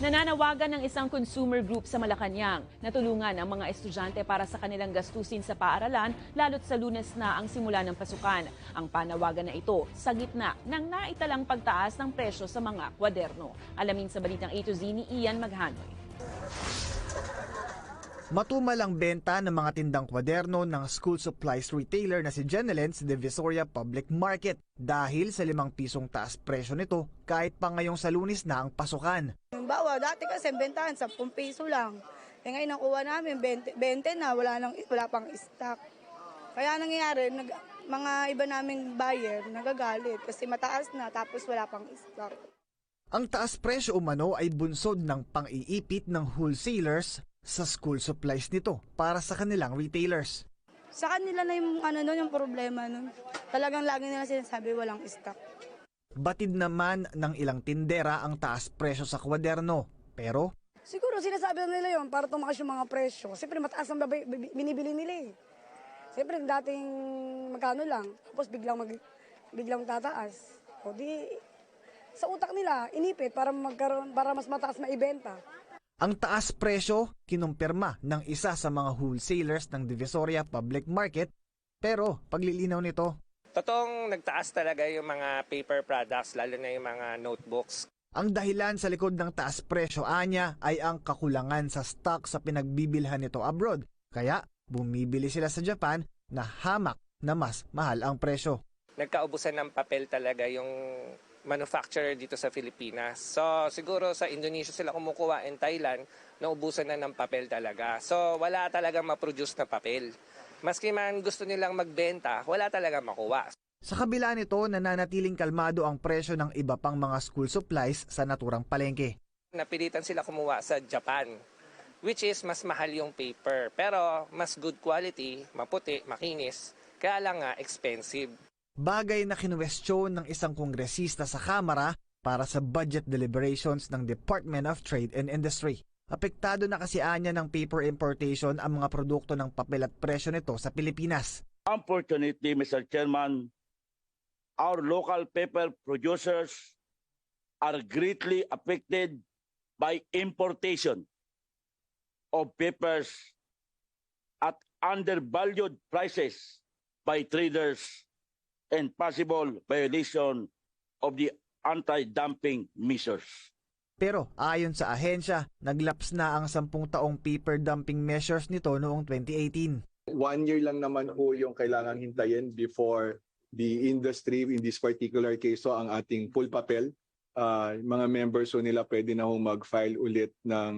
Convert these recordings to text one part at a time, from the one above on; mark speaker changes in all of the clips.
Speaker 1: Nananawagan ng isang consumer group sa Malacanang na tulungan ang mga estudyante para sa kanilang gastusin sa paaralan lalo't sa Lunes na ang simula ng pasukan. Ang panawagan na ito sa gitna ng naitalang pagtaas ng presyo sa mga kwaderno. Alamin sa balitang A to Z ni Ian Maghanoy.
Speaker 2: Matumal ang benta ng mga tindang kwaderno ng school supplies retailer na si Genelen sa Divisoria Public Market dahil sa 5 pisong taas presyo nito kahit pa ngayong sa Lunes na ang pasukan.
Speaker 3: Bawa, dati kasi bentahan 10 piso lang. Ngayon nakuha namin 20 na, wala pang stock. Kaya nangyayari, mga iba naming buyer nagagalit kasi mataas na tapos wala pang stock.
Speaker 2: Ang taas presyo umano ay bunsod ng pang-iipit ng wholesalers sa school supplies nito para sa kanilang retailers.
Speaker 3: Sa kanila na yung problema nun. Talagang lagi nila sinasabi walang stock.
Speaker 2: Batid naman ng ilang tindera ang taas presyo sa kwaderno. Pero
Speaker 3: Siguro sinasabi nila yon para tumakas yung mga presyo. Siyempre mataas ang binibili nila eh. Siyempre dating magkano lang, tapos biglang tataas. O di sa utak nila inipit para mas mataas maibenta.
Speaker 2: ang taas presyo kinumpirma ng isa sa mga wholesalers ng Divisoria Public Market, pero paglilinaw nito,
Speaker 4: totoong nagtaas talaga yung mga paper products, lalo na yung mga notebooks.
Speaker 2: ang dahilan sa likod ng taas presyo anya ay ang kakulangan sa stock sa pinagbibilhan nito abroad. Kaya bumibili sila sa Japan na hamak na mas mahal ang presyo.
Speaker 4: Nagkaubusan ng papel talaga yung manufacturer dito sa Pilipinas. So siguro sa Indonesia sila kumukuha, in Thailand, naubusan na ng papel talaga. So wala talagang ma-produce na papel. Maski man gusto nilang magbenta, wala talagang makuha.
Speaker 2: Sa kabila nito, nananatiling kalmado ang presyo ng iba pang mga school supplies sa naturang palengke.
Speaker 4: Napilitan sila kumuha sa Japan, which is mas mahal yung paper. Pero mas good quality, maputi, makinis, kaya lang nga expensive.
Speaker 2: Bagay na kinuwestiyon ng isang kongresista sa Kamara para sa budget deliberations ng Department of Trade and Industry. Apektado na kasi anya ng paper importation ang mga produkto ng papel at presyo nito sa Pilipinas.
Speaker 5: Unfortunately, Mr. Chairman, our local paper producers are greatly affected by importation of papers at undervalued prices by traders and possible violation of the anti-dumping measures.
Speaker 2: Pero ayon sa ahensya, naglaps na ang 10 taong paper dumping measures nito noong 2018.
Speaker 6: 1 year lang naman ho yung kailangang hintayin before the industry, in this particular case, so ang ating full papel, mga members so nila pwede na ho mag-file ulit ng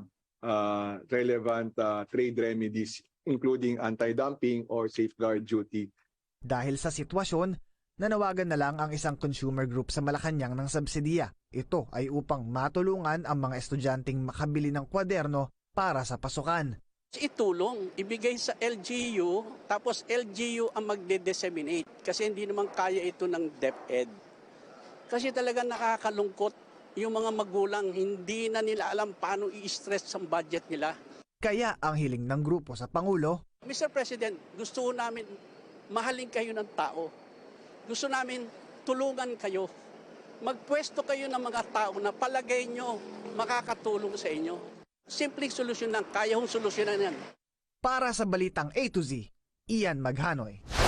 Speaker 6: relevant trade remedies, including anti-dumping or safeguard duty.
Speaker 2: Dahil sa sitwasyon, nanawagan na lang ang isang consumer group sa Malacanang ng subsidiya. Ito ay upang matulungan ang mga estudyanteng makabili ng kwaderno para sa pasukan.
Speaker 7: Itulong, ibigay sa LGU, tapos LGU ang magde-disseminate kasi hindi naman kaya ito ng DepEd. Kasi talaga nakakalungkot yung mga magulang, hindi na nila alam paano i-stress ang budget nila.
Speaker 2: Kaya ang hiling ng grupo sa Pangulo,
Speaker 7: Mr. President, gusto namin mahalin kayo ng tao. Gusto namin tulungan kayo. Magpwesto kayo ng mga tao na palagay nyo makakatulong sa inyo. Simpleng solusyon lang, kaya hong solusyonan yan.
Speaker 2: para sa Balitang A to Z, Ian Maghanoy.